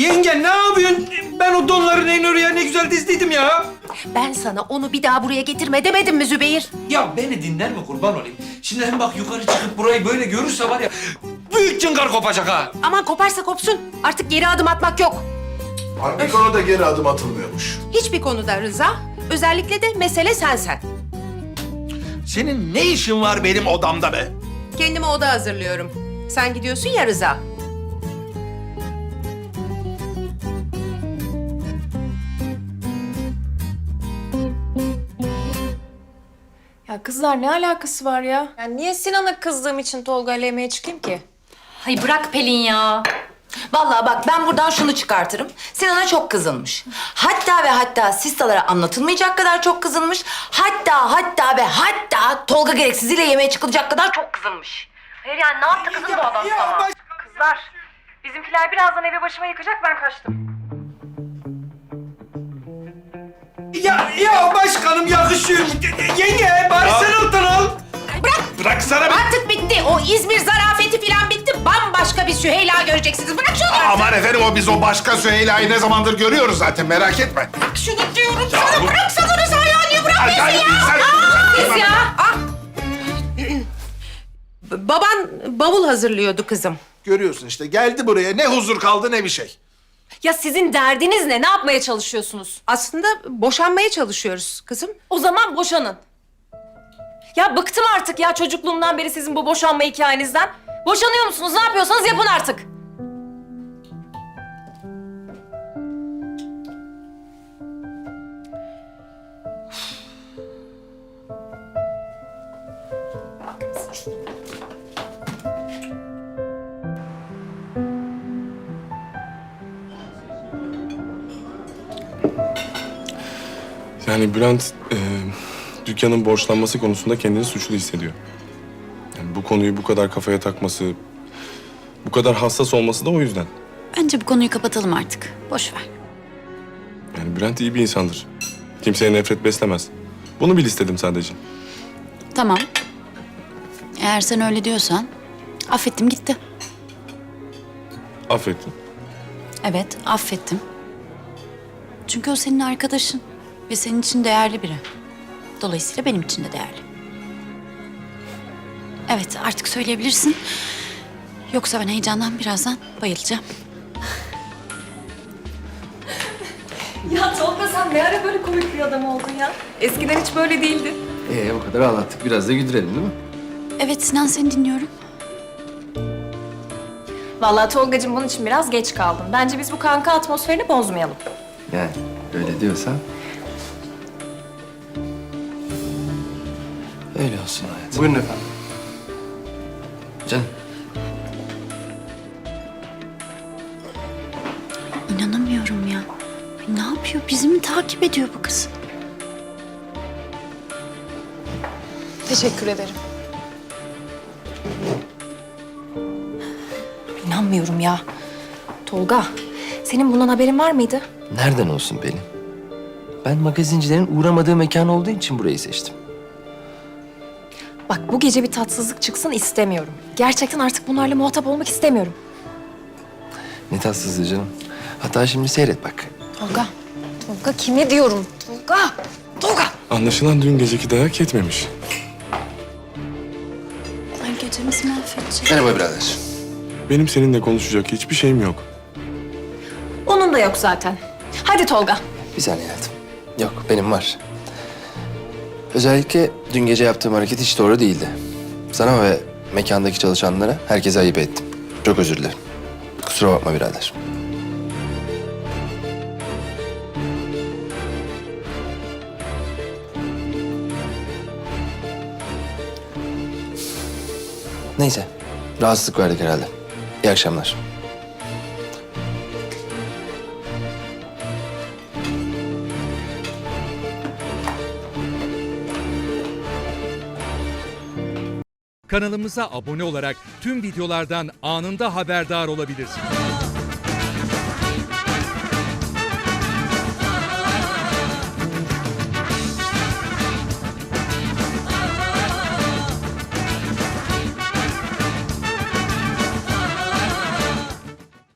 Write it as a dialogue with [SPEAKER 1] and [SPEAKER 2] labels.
[SPEAKER 1] Yenge ne yapıyorsun? Ben o donların en oraya ne güzel dizdiydim ya.
[SPEAKER 2] Ben sana onu bir daha buraya getirme demedim mi Zübeyir?
[SPEAKER 1] Ya beni dinler mi kurban olayım? Şimdi hem bak yukarı çıkıp burayı böyle görürse var ya... ...büyük cıngar kopacak ha.
[SPEAKER 2] Aman koparsa kopsun. Artık geri adım atmak yok.
[SPEAKER 3] Hangi konuda geri adım atılmıyormuş?
[SPEAKER 2] Hiçbir konuda Rıza. Özellikle de mesele sensen.
[SPEAKER 3] Senin ne işin var benim odamda be?
[SPEAKER 2] Kendime oda hazırlıyorum. Sen gidiyorsun ya Rıza.
[SPEAKER 4] Ya kızlar ne alakası var ya? Yani niye Sinan'a kızdığım için Tolga ile yemeğe çıkayım ki?
[SPEAKER 5] Hay bırak Pelin ya. Vallahi bak ben buradan şunu çıkartırım. Sinan'a çok kızılmış. Hatta ve hatta sistalara anlatılmayacak kadar çok kızılmış. Hatta Tolga gereksiziyle yemeğe çıkılacak kadar çok kızılmış. Hayır yani ne yaptı kızım bu adam sana?
[SPEAKER 4] Kızlar, bizimkiler birazdan evi başıma yıkacak, ben kaçtım.
[SPEAKER 1] Ya başkanım yakışıyor. Yenge bari sen alttan al.
[SPEAKER 3] Bıraksana be!
[SPEAKER 2] Artık bitti. O İzmir zarafeti falan bitti. Bambaşka bir Süheyla göreceksiniz. Bırak şunu artık.
[SPEAKER 3] Aman efendim biz o başka Süheyla'yı ne zamandır görüyoruz zaten merak etme.
[SPEAKER 2] Bırak şunu diyorum sana. Bıraksana Rıza ya. Niye bırakmıyorsun
[SPEAKER 3] Ay,
[SPEAKER 2] ya?
[SPEAKER 3] sen-
[SPEAKER 2] Kız ya. Baban bavul hazırlıyordu kızım.
[SPEAKER 3] Görüyorsun işte geldi buraya ne huzur kaldı ne bir şey.
[SPEAKER 4] Ya sizin derdiniz ne? Ne yapmaya çalışıyorsunuz?
[SPEAKER 2] Aslında boşanmaya çalışıyoruz kızım.
[SPEAKER 4] O zaman boşanın. Ya bıktım artık ya çocukluğumdan beri sizin bu boşanma hikayenizden. Boşanıyor musunuz? Ne yapıyorsanız yapın artık.
[SPEAKER 6] Yani Bülent dükkanın borçlanması konusunda kendini suçlu hissediyor. Yani bu konuyu bu kadar kafaya takması, bu kadar hassas olması da o yüzden.
[SPEAKER 5] Bence bu konuyu kapatalım artık. Boş ver.
[SPEAKER 6] Yani Bülent iyi bir insandır. Kimseye nefret beslemez. Bunu bil istedim sadece.
[SPEAKER 5] Tamam. Eğer sen öyle diyorsan affettim gitti.
[SPEAKER 6] Affettim.
[SPEAKER 5] Evet, affettim. Çünkü o senin arkadaşın ve senin için değerli biri. Dolayısıyla benim için de değerli. Evet, artık söyleyebilirsin. Yoksa ben heyecandan birazdan bayılacağım.
[SPEAKER 4] Ya Tolga sen ne ara böyle komik bir adam oldun ya? Eskiden hiç böyle değildin.
[SPEAKER 7] O kadar ağlattık. Biraz da güldürelim değil mi?
[SPEAKER 5] Evet Sinan, seni dinliyorum.
[SPEAKER 4] Vallahi Tolgacığım bunun için biraz geç kaldın. Bence biz bu kanka atmosferini bozmayalım.
[SPEAKER 7] Yani öyle diyorsan. Öyle olsun hayatım. Buyurun efendim. Canım.
[SPEAKER 5] İnanamıyorum ya. Ay, ne yapıyor? Bizi mi takip ediyor bu kız?
[SPEAKER 4] Teşekkür ederim. İnanmıyorum ya. Tolga, senin bundan haberin var mıydı?
[SPEAKER 7] Nereden olsun Pelin? Ben magazincilerin uğramadığı mekan olduğu için burayı seçtim.
[SPEAKER 4] Bak bu gece bir tatsızlık çıksın istemiyorum. Gerçekten artık bunlarla muhatap olmak istemiyorum.
[SPEAKER 7] Ne tatsızlığı canım. Hatta şimdi seyret bak.
[SPEAKER 4] Tolga, Tolga kime diyorum? Tolga!
[SPEAKER 6] Anlaşılan dün geceki dayak yetmemiş.
[SPEAKER 5] Ay gecemizi mahvedecek.
[SPEAKER 7] Merhaba birader.
[SPEAKER 6] Benim seninle konuşacak hiçbir şeyim yok.
[SPEAKER 4] Onun da yok zaten. Hadi Tolga.
[SPEAKER 7] Bir saniye hayatım. Yok benim var. Özellikle dün gece yaptığım hareket hiç doğru değildi. Sana ve mekandaki çalışanlara herkese ayıp ettim. Çok özür dilerim. Kusura bakma birader. Neyse. Rahatsızlık verdik herhalde. İyi akşamlar.
[SPEAKER 8] Kanalımıza abone olarak tüm videolardan anında haberdar olabilirsiniz.